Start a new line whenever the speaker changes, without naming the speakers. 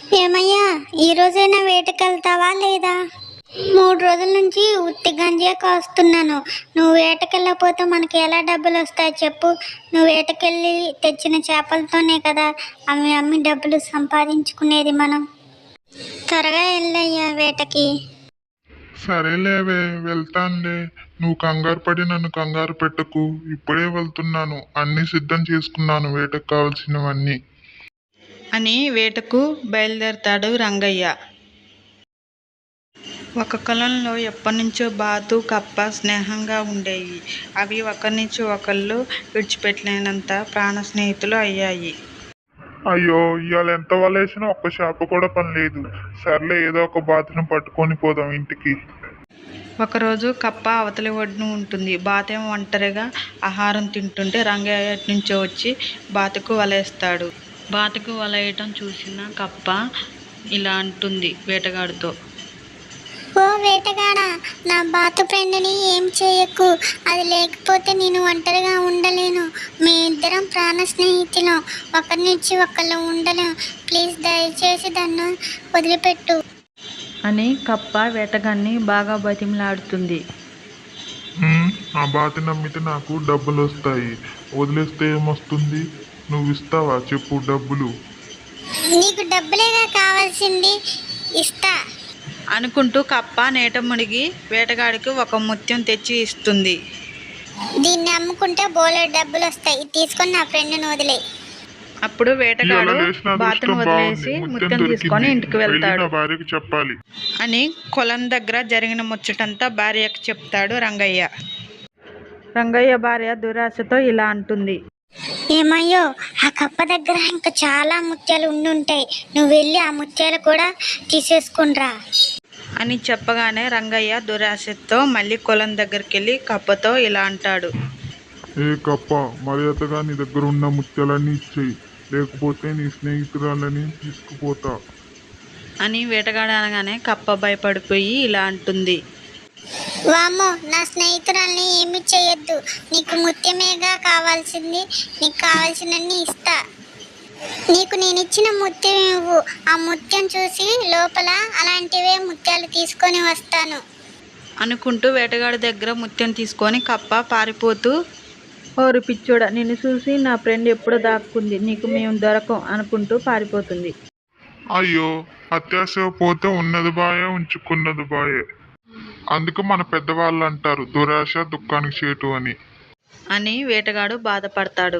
ఏమయ్యా, ఈ రోజైనా వేటకెళ్తావా లేదా? 3 రోజుల నుంచి ఉత్తి గంజే కాస్తున్నాను. నువ్వు వేటకెళ్ళకపోతే మనకి ఎలా డబ్బులు వస్తాయి చెప్పు? నువ్వు వేటకెళ్ళి తెచ్చిన చేపలతోనే కదా అవి అమ్మి డబ్బులు సంపాదించుకునేది మనం. త్వరగా వెళ్ళయ్యా వేటకి.
సరేలేవే, వెళ్తానులే. నువ్వు కంగారు పడి నన్ను కంగారు పెట్టకు. ఇప్పుడే వెళ్తున్నాను. అన్నీ సిద్ధం చేసుకున్నాను, వేటకు కావలసినవన్నీ
అని వేటకు బయలుదేరతాడు రంగయ్య. ఒక కాలంలో ఎప్పటినుంచో బాతు, కప్ప స్నేహంగా ఉండేవి. అవి ఒకరినుంచి ఒకళ్ళు విడిచిపెట్టలేనంత ప్రాణ స్నేహితులు అయ్యాయి.
అయ్యో, ఇవాళ ఎంత వలేసినా ఒక్క చేప కూడా పని లేదు. సర్లే, ఏదో ఒక బాతును పట్టుకొని పోదాం ఇంటికి.
ఒకరోజు కప్ప అవతలి ఒడ్డున ఉంటుంది. బాతేమో ఒంటరిగా ఆహారం తింటుంటే రంగయ్య నుంచో వచ్చి బాతుకు వలేస్తాడు. బాతుకు వలేయటం చూసిన కప్ప ఇలా అంటుంది వేటగాడితో.
ఓ వేటగాడా, నా బాతు ఫ్రెండ్ని ఏం చేయకు. అది లేకపోతే నేను ఒంటరిగా ఉండలేను. మీ ఇద్దరం ప్రాణ స్నేహితులం. ఒకరి నుంచి ఒకళ్ళు ఉండలేం. ప్లీజ్ దయచేసి దాన్ని వదిలిపెట్టు
అని కప్ప వేటగాన్ని బాగా బతిమలాడుతుంది.
ఆ బాతుని నమ్మితే నాకు డబ్బులు వస్తాయి. వదిలేస్తే ఏమొస్తుంది? నువ్వు ఇస్తావా చెప్పు డబ్బులు?
నీకు డబ్బులేగా కావాల్సింది, ఇస్తా
అనుకుంటూ కప్ప నీట మునిగి వేటగాడికి ఒక ముత్యం తెచ్చి ఇస్తుంది.
దీన్ని అమ్ముకుంటే బోలెడు డబ్బులు వస్తాయి. ఇది తీసుకొని నా ఫ్రెండ్ని వదిలే.
అప్పుడు వేటగాడు
ఇవాళ లేచిన
బాతును
అదృష్టం
వదిలేసి
బాగుంది.
ముత్యం
ముత్యం
తీసుకొని
దొరికింది.
ఇంటికి
వెళ్ళి
వెళ్తాడు.
నా భార్యకి చెప్పాలి
అని కొలం దగ్గర జరిగిన ముచ్చటంతా భార్యకు చెప్తాడు రంగయ్య. రంగయ్య భార్య దురాశతో ఇలా అంటుంది.
ఏమయ్యో, ఆ కప్ప దగ్గర ఇంకా చాలా ముత్యాలు ఉండుంటాయి. నువ్వు వెళ్ళి ఆ ముత్యాలు కూడా తీసేసుకునిరా
అని చెప్పగానే రంగయ్య దురాశతో మళ్ళీ కొలం దగ్గరికి వెళ్ళి కప్పతో ఇలా అంటాడు.
ఏ కప్ప, మర్యాదగా నీ దగ్గర ఉన్న ముత్యాలన్నీ ఇచ్చేయి, లేకపోతే నీ స్నేహితురాలని తీసుకుపోతా.
అని వేటగాడు అనగానే కప్ప భయపడిపోయి ఇలా అంటుంది.
వామ్మో, నా స్నేహితురాల్ని ఏమి చేయొద్దు. నీకు ముత్యమేగా కావాల్సింది. నీకు కావాల్సినన్ని ఇస్తా. నీకు నేను ఇచ్చిన ముత్యం ఇవ్వు. ఆ ముత్యం చూసి లోపల అలాంటివే ముత్యాలు తీసుకొని వస్తాను
అనుకుంటూ వేటగాడి దగ్గర ముత్యం తీసుకొని కప్ప పారిపోతూ, ఓరి పిచ్చోడా, నిన్ను చూసి నా ఫ్రెండ్ ఎప్పుడో దాక్కుంది, నీకు మేము దొరకం అనుకుంటూ పారిపోతుంది.
అయ్యో, అత్యాశ పోతే ఉన్నది బాయే, ఉంచుకున్నది బాయే. అందుకు మన పెద్దవాళ్ళు అంటారు, దురాశ దుఃఖానికి చేటు అని.
అని వేటగాడు బాధపడతాడు.